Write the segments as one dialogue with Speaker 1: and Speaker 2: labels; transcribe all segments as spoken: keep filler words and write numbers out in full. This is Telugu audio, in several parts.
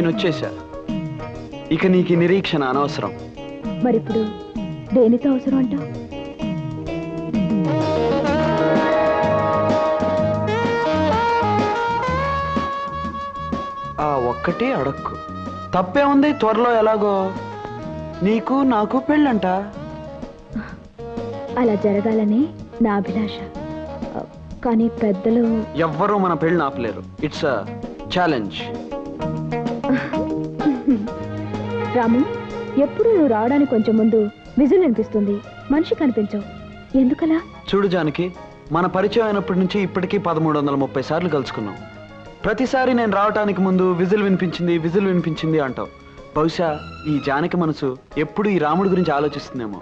Speaker 1: నేను వచ్చేసా. ఇక నీకు నిరీక్షణ అనవసరం.
Speaker 2: మరిప్పుడు దేనితో అవసరం అంటావు?
Speaker 1: ఆ ఒక్కటి అడక్కు. తప్పే ఉంది. త్వరలో ఎలాగో నీకు నాకు పెళ్ళంట.
Speaker 2: అలా జరగాలని నా అభిలాష. కానీ పెద్దలు
Speaker 1: ఎవ్వరూ మన పెళ్ళి ఆపలేరు. It's a challenge.
Speaker 2: రాము, ఎప్పుడు నువ్వు రావడానికి కొంచెం ముందు విజిల్ అనిపిస్తుంది, మనిషి కనిపించవు. ఎందుకలా?
Speaker 1: చూడు జానకి, మన పరిచయం అయినప్పటి నుంచి ఇప్పటికీ పదమూడు వందల ముప్పై సార్లు కలుసుకున్నాం. ప్రతిసారి నేను రావటానికి ముందు విజిల్ వినిపించింది విజిల్ వినిపించింది అంటావు. బహుశా ఈ జానకి మనసు ఎప్పుడు ఈ రాముడి గురించి ఆలోచిస్తుందేమో.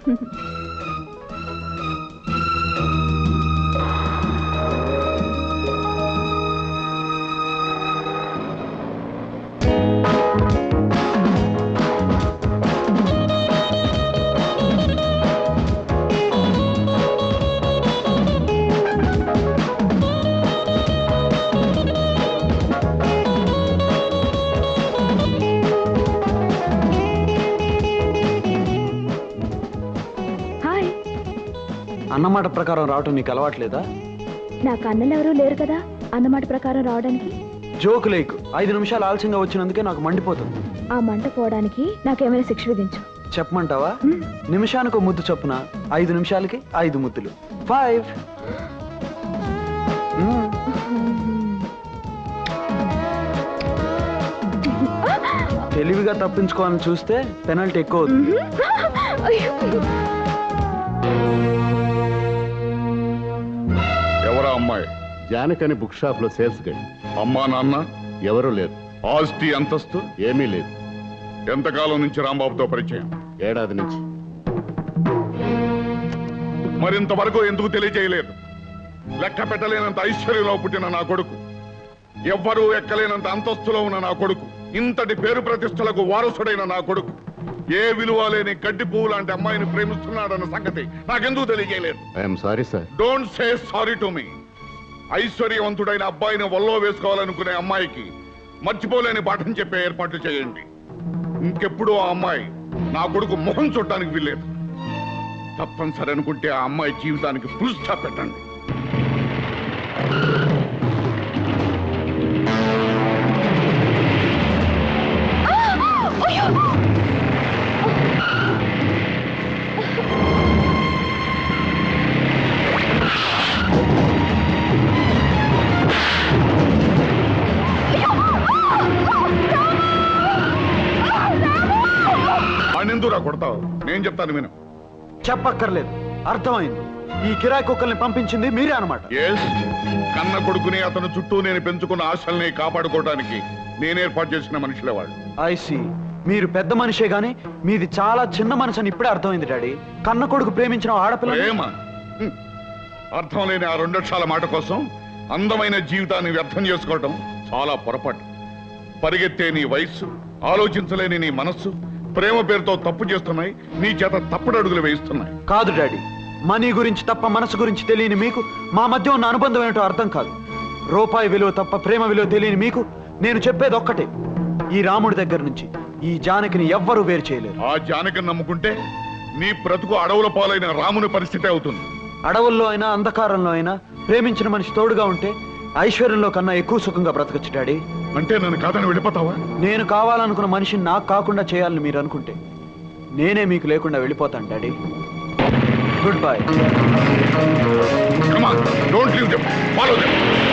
Speaker 1: అన్నమాట ప్రకారం రావటం నీకు అలవాట్లేదా?
Speaker 2: నాకు అన్నలు ఎవరూ లేరు కదా అన్నమాట ప్రకారం రావడానికి.
Speaker 1: జోకు లేకు. ఐదు నిమిషాలు ఆలస్యంగా వచ్చినందుకే నాకు మండిపోతుంది.
Speaker 2: ఆ మంట పోవడానికి నాకేమైనా శిక్ష విధించు.
Speaker 1: చెప్పమంటావా? నిమిషానికి ఒక ముద్దు చొప్పున ఐదు నిమిషాలకి ఐదు ముద్దులు. ఫైవ్. తెలివిగా తప్పించుకోవాలని చూస్తే పెనల్టీ ఎక్కువ అవుతుంది.
Speaker 3: ఎవరా అమ్మాయి?
Speaker 4: జానకని బుక్ షాప్ లో సేల్స్ గడి.
Speaker 3: అమ్మా నాన్న
Speaker 4: ఎవరూ లేరు.
Speaker 3: ఆస్తి అంతస్తు
Speaker 4: ఏమీ లేదు.
Speaker 3: ఎంతకాలం నుంచి రాంబాబుతో పరిచయం?
Speaker 4: ఏడాది నుంచి.
Speaker 3: మరింతవరకు ఎందుకు తెలియజేయలేదు? లెక్క పెట్టలేనంత ఐశ్వర్యంలో పుట్టిన నా కొడుకు, ఎవ్వరూ ఎక్కలేనంత అంతస్తులో ఉన్న నా కొడుకు, ఇంతటి పేరు ప్రతిష్టలకు వారసుడైన నా కొడుకు ఏ విలువ లేని గడ్డి పువ్వు లాంటి అమ్మాయిని ప్రేమిస్తున్నాడన్న సంగతి నాకెందుకు తెలియజేయలేదు?
Speaker 4: I'm sorry sir.
Speaker 3: Don't say sorry to me. ఐశ్వర్యవంతుడైన అబ్బాయిని వల్లో వేసుకోవాలనుకునే అమ్మాయికి మర్చిపోలేని పాఠం చెప్పే ఏర్పాట్లు చేయండి. ఇంకెప్పుడు ఆ అమ్మాయి నా కొడుకు మొహం చూడటానికి వీల్లేదు. తప్పనిసరి అనుకుంటే ఆ అమ్మాయి జీవితానికి ఫుల్ స్టాప్ పెట్టండి. ఎందురా కొడతావు? నేను చెప్తాను విను.
Speaker 1: చెప్పక్కర్లేదు, అర్థమైంది. ఈ కిరాయి కుక్కల్ని పంపించింది మీరే అనమాట.
Speaker 3: ఎస్, కన్న కొడుకుని అతను చుట్టూ నేను పెంచుకున్న ఆశల్ని కాపాడుకోవడానికి నేను ఏర్పాటు చేసిన మనుషులే వాళ్ళు.
Speaker 1: ఐసి, మీరు పెద్ద మనిషే గాని మీది చాలా చిన్న మనసు అని ఇప్పుడే అర్థమైంది డాడీ. కన్న కొడుకు ప్రేమించిన ఆడపిల్ల
Speaker 3: ప్రేమ అర్థం లేని ఆ రెండక్షరాల మాట కోసం అందమైన జీవితాన్ని వ్యర్థం చేసుకోవటం చాలా పొరపాటు. పరిగెత్తే నీ వయస్సు, ఆలోచించలేని నీ మనస్సు ప్రేమ పేరుతో తప్పు చేస్తున్నాయి. నీ చేత తప్పుడు అడుగులు వేయిస్తున్నాయి.
Speaker 1: కాదు డాడీ, మనీ గురించి తప్ప మనసు గురించి తెలియని మీకు మా మధ్య ఉన్న అనుబంధం ఏంటో అర్థం కాదు. రూపాయి విలువ తప్ప ప్రేమ విలువ తెలియని మీకు నేను చెప్పేది ఒక్కటే, ఈ రాముడి దగ్గర నుంచి ఈ జానకిని ఎవ్వరూ వేరు చేయలేరు.
Speaker 3: ఆ జానకిని నమ్ముకుంటే నీ బ్రతుకు అడవుల పాలైన రాముని పరిస్థితి అవుతుంది.
Speaker 1: అడవుల్లో అయినా అంధకారంలో అయినా ప్రేమించిన మనిషి తోడుగా ఉంటే ఐశ్వర్యంలో కన్నా ఎక్కువ సుఖంగా బ్రతకచ్చు డాడీ.
Speaker 3: అంటే నన్ను కాదని వెళ్ళిపోతావా?
Speaker 1: నేను కావాలనుకున్న మనిషిని నాకు కాకుండా చేయాలని మీరు అనుకుంటే నేనే మీకు లేకుండా వెళ్ళిపోతాను daddy. Good bye.
Speaker 3: Come on, don't leave them. Follow them.